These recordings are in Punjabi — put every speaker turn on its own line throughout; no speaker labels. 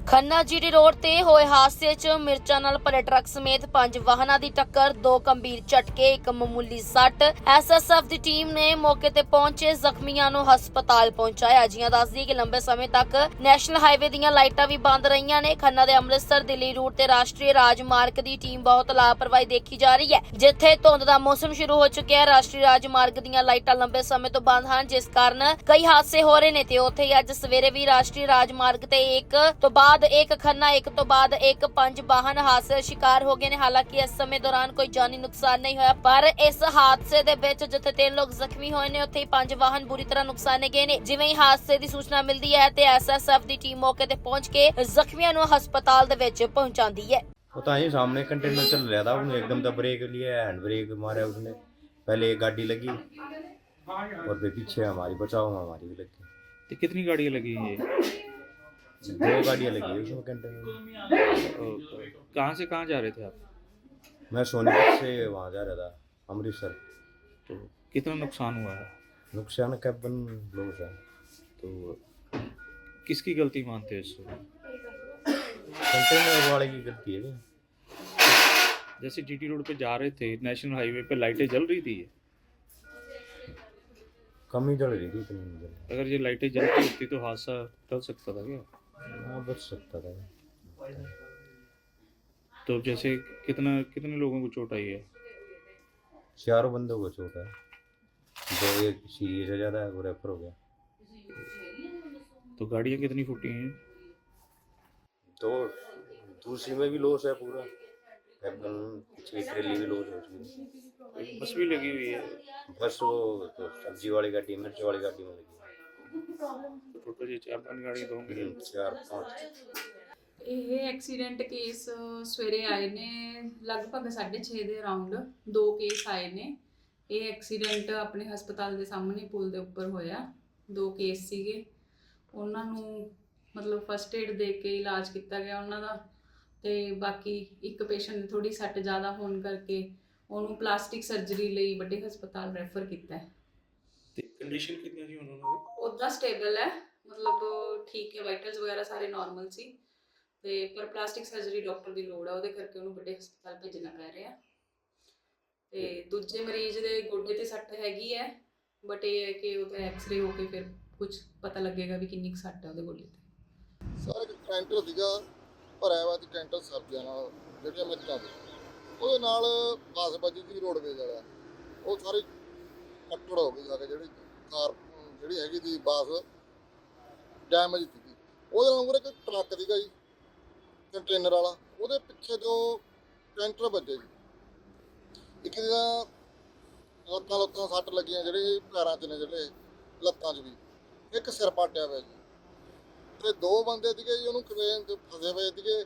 ਖੰਨਾ ਜੀਟੀ ਰੋਡ ਤੇ ਹੋਏ ਹਾਦਸੇ 'ਚ ਮਿਰਚਾਂ ਨਾਲ ਭਰੇ ਟਰੱਕ ਸਮੇਤ 5 ਵਾਹਨਾਂ ਦੀ ਟੱਕਰ, 2 ਗੰਭੀਰ ਝਟਕੇ, 1 ਮਾਮੂਲੀ ਸੱਟ। ਐਸਐਸਐਫ ਦੀ ਟੀਮ ਨੇ ਮੌਕੇ ਤੇ ਪਹੁੰਚੇ ਜ਼ਖਮੀਆਂ ਨੂੰ ਹਸਪਤਾਲ ਪਹੁੰਚਾਇਆ। ਜੀਆਂ ਦੱਸਦੀ ਕਿ ਲੰਬੇ ਸਮੇਂ ਤੱਕ ਨੈਸ਼ਨਲ ਹਾਈਵੇ ਦੀਆਂ ਲਾਈਟਾਂ ਵੀ ਬੰਦ ਰਹੀਆਂ ਨੇ। ਖੰਨਾ ਦੇ ਅੰਮ੍ਰਿਤਸਰ ਦਿੱਲੀ ਰੂਟ ਤੇ ਰਾਸ਼ਟਰੀ ਰਾਜਮਾਰਗ ਦੀ ਟੀਮ ਬਹੁਤ ਲਾਪਰਵਾਹੀ ਦੇਖੀ ਜਾ ਰਹੀ ਹੈ, ਜਿੱਥੇ ਧੁੰਦ ਦਾ ਮੌਸਮ ਸ਼ੁਰੂ ਹੋ ਚੁੱਕਿਆ ਹੈ। ਰਾਸ਼ਟਰੀ ਰਾਜਮਾਰਗ ਦੀਆਂ ਲਾਈਟਾਂ ਲੰਬੇ ਸਮੇਂ ਤੋਂ ਬੰਦ ਹਨ, ਜਿਸ ਕਾਰਨ ਕਈ ਹਾਦਸੇ ਹੋ ਰਹੇ ਨੇ ਤੇ ਉੱਥੇ ਹੀ ਅੱਜ ਸਵੇਰੇ ਵੀ ਰਾਸ਼ਟਰੀ ਰਾਜਮਾਰਗ ਤੇ ਇੱਕ ਤੋਂ ਬਾਅਦ ਇੱਕ ਖੰਨਾ, ਇੱਕ ਤੋਂ ਬਾਅਦ ਇੱਕ 5 ਵਾਹਨ ਹਾਦਸੇ ਦਾ ਸ਼ਿਕਾਰ ਹੋ ਗਏ ਨੇ। ਹਾਲਾਂਕਿ ਇਸ ਸਮੇਂ ਦੌਰਾਨ ਕੋਈ ਜਾਨੀ ਨੁਕਸਾਨ ਨਹੀਂ ਹੋਇਆ, ਪਰ ਇਸ ਹਾਦਸੇ ਦੇ ਵਿੱਚ ਜਿੱਥੇ 3 ਲੋਕ ਜ਼ਖਮੀ ਹੋਏ ਨੇ, ਉੱਥੇ ਹੀ 5 ਵਾਹਨ ਬੁਰੀ ਤਰ੍ਹਾਂ ਨੁਕਸਾਨੇ ਗਏ ਨੇ। ਜਿਵੇਂ ਹੀ ਹਾਦਸੇ ਦੀ ਸੂਚਨਾ ਮਿਲਦੀ ਹੈ ਤੇ ਐਸਐਸਐਫ ਦੀ ਟੀਮ ਮੌਕੇ ਤੇ ਪਹੁੰਚ ਕੇ ਜ਼ਖਮੀਆਂ ਨੂੰ ਹਸਪਤਾਲ ਦੇ ਵਿੱਚ पहुंचाती है।
पता ही सामने कंटेनर चल रहा था, उसने एकदम से ब्रेक लिया, हैंड ब्रेक मारा उसने। पहले एक गाड़ी लगी और फिर पीछे हमारी बचाव में हमारी भी लगी।
तो कितनी गाड़ियाँ लगी हैं ये?
2 गाड़ियाँ लगी है उसमें कंटेनर में।
कहाँ से कहाँ जा रहे थे आप?
मैं सोनीपत से वहाँ जा रहा था अमृतसर।
तो कितना नुकसान हुआ है?
नुकसान कैबन लॉस है।
तो किसकी गलती मानते हैं इसको?
कंटेनर वाले की गलती है क्या?
जैसे जीटी रोड पे जा रहे थे, नेशनल हाईवे पे लाइटें जल रही थी,
कम ही जल रही थी, इतनी नहीं जल रही।
अगर ये लाइटें जलती होती तो हादसा टल सकता था क्या?
हाँ, बच सकता था।
तो जैसे कितने लोगों को चोट आई है?
4 बंदों को चोट है, 2 एक सीरियस है, ज़्यादा है, वो रेफर हो गया।
तो गाड़ियाँ कितनी फूटी हैं?
तो दूसरी में भी लॉस है पूरा, कैबन पीछे ट्रेली भी लॉस है उसकी।
बस भी लगी हुई है,
बस वो तो सब्जी वाली गाड़ी, मिर्च वाली गाड़ी में लगी।
टोटल ये 4-5 गाड़ियाँ तो होंगी।
4-5
ਇਹ ਐਕਸੀਡੈਂਟ ਕੇਸ ਸਵੇਰੇ ਆਏ ਨੇ ਲਗਭਗ 6:30 ਦੇ ਅਰਾਊਂਡ 2 ਕੇਸ ਆਏ ਨੇ। ਇਹ ਐਕਸੀਡੈਂਟ ਆਪਣੇ ਹਸਪਤਾਲ ਦੇ ਸਾਹਮਣੇ ਪੁਲ ਦੇ ਉੱਪਰ ਹੋਇਆ। 2 ਕੇਸ ਸੀਗੇ, ਉਹਨਾਂ ਨੂੰ ਮਤਲਬ ਫਸਟ ਏਡ ਦੇ ਕੇ ਇਲਾਜ ਕੀਤਾ ਗਿਆ ਉਹਨਾਂ ਦਾ, ਤੇ ਬਾਕੀ ਇੱਕ ਪੇਸ਼ੈਂਟ ਦੀ ਥੋੜੀ ਸੱਟ ਜ਼ਿਆਦਾ ਹੋਣ ਕਰਕੇ ਉਹਨੂੰ ਪਲਾਸਟਿਕ ਸਰਜਰੀ ਲਈ ਵੱਡੇ ਹਸਪਤਾਲ ਰੈਫਰ ਕੀਤਾ ਹੈ।
ਤੇ ਕੰਡੀਸ਼ਨ ਕਿੰਨੀ ਸੀ ਉਹਨਾਂ ਦੀ?
ਉੱਦਾਂ ਸਟੇਬਲ ਹੈ, ਮਤਲਬ ਠੀਕ ਹੈ, ਵਾਈਟਲਸ ਵਗੈਰਾ ਸਾਰੇ ਨਾਰਮਲ ਸੀ, ਤੇ ਪਰ ਪਲਾਸਟਿਕ ਸਰਜਰੀ ਡਾਕਟਰ ਦੀ ਲੋੜ ਆ, ਉਹਦੇ ਕਰਕੇ ਉਹਨੂੰ ਵੱਡੇ ਹਸਪਤਾਲ ਭੇਜਣਾ ਪੈ ਰਿਹਾ। ਤੇ ਦੂਜੇ ਮਰੀਜ਼ ਦੇ ਗੋਡੇ ਤੇ ਸੱਟ ਹੈਗੀ ਹੈ, ਬਟ ਇਹ ਹੈ ਕਿ ਉਹਦਾ ਐਕਸ-ਰੇ ਹੋ ਕੇ ਫਿਰ ਕੁਝ ਪਤਾ ਲੱਗੇਗਾ ਵੀ ਕਿੰਨੀ ਕੁ ਸੱਟ ਹੈ ਉਹਦੇ ਗੋਡੇ ਤੇ।
ਸਾਰਾ ਕੈਂਟਰ ਸੀਗਾ ਭਰਿਆ ਵਾ, ਤੇ ਕੈਂਟਰ ਸਬਜ਼ੀਆਂ ਨਾਲ ਜਿਹੜੀਆਂ ਮਿਰਚਾਂ ਦੇ ਉਹਦੇ ਨਾਲ ਬੱਸ ਵੱਜੀ ਸੀ ਰੋਡਵੇਜ਼ ਵਾਲਾ, ਉਹ ਸਾਰੀ ਕੱਟੜ ਹੋ ਗਈ ਜਾ ਕੇ। ਜਿਹੜੀ ਕਾਰ ਜਿਹੜੀ ਹੈਗੀ ਸੀ ਬੱਸ ਡੈਮੇਜ ਸੀਗੀ, ਉਹਦੇ ਨਾਲ ਮੂਹਰੇ ਕੋਈ ਟਰੱਕ ਸੀਗਾ ਜੀ ਕੰਟੇਨਰ ਵਾਲਾ, ਉਹਦੇ ਪਿੱਛੇ ਜੋ ਕੈਂਟਰ ਵੱਜੇ ਜੀ। ਇੱਕ ਦੀਆਂ ਲੱਤਾਂ ਸੱਟ ਲੱਗੀਆਂ, ਜਿਹੜੇ ਪੈਰਾਂ 'ਚ ਨੇ, ਜਿਹੜੇ ਲੱਤਾਂ 'ਚ ਵੀ, ਇੱਕ ਸਿਰ ਪਾਟਿਆ ਹੋਇਆ ਜੀ। ਤੇ 2 ਬੰਦੇ ਸੀਗੇ ਜੀ ਉਹਨੂੰ ਕ੍ਰੇਨ ਤੇ ਫਸੇ ਹੋਏ ਸੀਗੇ,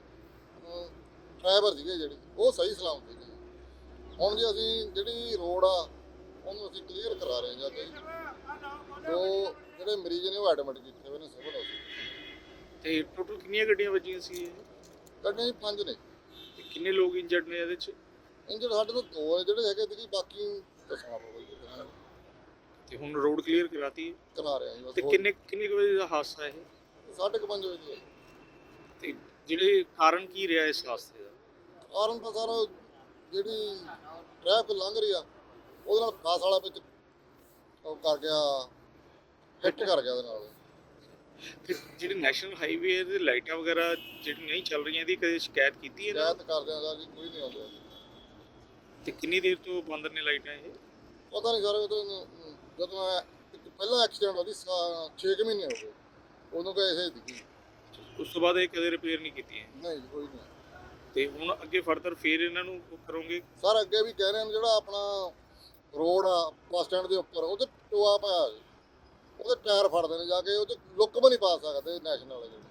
ਡਰਾਈਵਰ ਸੀਗੇ ਜਿਹੜੇ, ਉਹ ਸਹੀ ਸਲਾਮਤ ਸੀਗੇ। ਹੁਣ ਜੀ ਅਸੀਂ ਜਿਹੜੀ ਰੋਡ ਆ ਉਹਨੂੰ ਅਸੀਂ ਕਲੀਅਰ ਕਰਾ ਰਹੇ ਹਾਂ ਜੀ। 2 ਜਿਹੜੇ ਮਰੀਜ਼ ਨੇ ਉਹ ਐਡਮਿਟ ਕੀਤੇ ਹੋਏ ਨੇ ਸਿਵਲ ਹਸਪਤਾਲ।
ਤੇ ਟੋਟਲ ਕਿੰਨੀਆਂ ਗੱਡੀਆਂ ਵੱਜੀਆਂ ਸੀ ਇਹ?
ਗੱਡੀਆਂ ਜੀ 5 ਨੇ।
ਤੇ ਕਿੰਨੇ ਲੋਕ ਇੰਜਰਡ ਨੇ ਇਹਦੇ 'ਚ?
ਇੰਜਰ ਸਾਡੇ ਤੋਂ 2 ਨੇ ਜਿਹੜੇ ਹੈਗੇ ਸੀਗੇ, ਬਾਕੀ ਦੱਸਣਾ ਪਊਗਾ
ਤੇ ਹੁਣ ਰੋਡ ਕਲੀਅਰ ਕਰਾਤੀ ਹੈ?
ਕਰਾ ਰਹੇ ਹਾਂ ਜੀ ਬਸ।
ਤੇ ਕਿੰਨੇ ਕੁ ਵਜੇ ਦਾ ਹਾਦਸਾ ਇਹ?
5:30 ਵਜੇ ਦੀ।
ਤੇ ਜਿਹੜੇ ਕਾਰਨ ਕੀ ਰਿਹਾ ਇਸ ਹਾਦਸੇ ਦਾ?
ਕਾਰਨ ਤਾਂ ਸਰ ਜਿਹੜੀ ਟ੍ਰੈਫਿਕ ਲੰਘ ਰਹੀ ਆ ਉਹਦੇ ਨਾਲ ਬੱਸ ਵਾਲਾ ਵਿੱਚ ਉਹ ਕਰ ਗਿਆ, ਹਿੱਟ ਕਰ ਗਿਆ ਉਹਦੇ ਨਾਲ।
ਤੇ ਜਿਹੜੇ ਨੈਸ਼ਨਲ ਹਾਈਵੇ ਦੇ ਲਾਈਟਾਂ ਵਗੈਰਾ ਜਿਹੜੀ ਨਹੀਂ ਚੱਲ ਰਹੀਆਂ, ਇਹਦੀ ਕਦੇ ਸ਼ਿਕਾਇਤ ਕੀਤੀ ਹੈ?
ਸ਼ਿਕਾਇਤ ਕਰਦੇ ਆ ਜੀ, ਕੋਈ ਨਹੀਂ ਆਉਂਦਾ।
ਤੇ ਕਿੰਨੀ ਦੇਰ ਤੋਂ ਬੰਦ ਨੇ ਲਾਈਟਾਂ ਇਹ?
ਪਤਾ ਨਹੀਂ ਸਰ, ਜਦੋਂ ਪਹਿਲਾ ਐਕਸੀਡੈਂਟ ਹੋਇਆ ਸੀ 6 ਮਹੀਨੇ ਹੋ ਗਏ, ਉਦੋਂ ਤਾਂ ਐਸੇ ਸੀਗੀ।
ਉਸ ਤੋਂ ਬਾਅਦ ਇਹ ਕਦੇ ਰਿਪੇਅਰ ਨਹੀਂ ਕੀਤੀਆਂ?
ਨਹੀਂ ਜੀ, ਕੋਈ ਨਹੀਂ।
ਤੇ ਹੁਣ ਅੱਗੇ ਫਰਦਰ ਫੇਰ ਇਹਨਾਂ ਨੂੰ ਕਰੋਗੇ?
ਸਰ ਅੱਗੇ ਵੀ ਕਹਿ ਰਹੇ ਨੇ, ਜਿਹੜਾ ਆਪਣਾ ਰੋਡ ਆ ਬੱਸ ਸਟੈਂਡ ਦੇ ਉੱਪਰ, ਉਹਦੇ ਟੋਆ ਪਿਆ ਜੀ, ਉਹਦੇ ਟਾਇਰ ਫੜਦੇ ਨੇ ਜਾ ਕੇ, ਉਹਦੇ ਲੁੱਕ ਵੀ ਨਹੀਂ ਪਾ ਸਕਦੇ ਨੈਸ਼ਨਲ ਵਾਲੇ ਜਿਹੜੇ।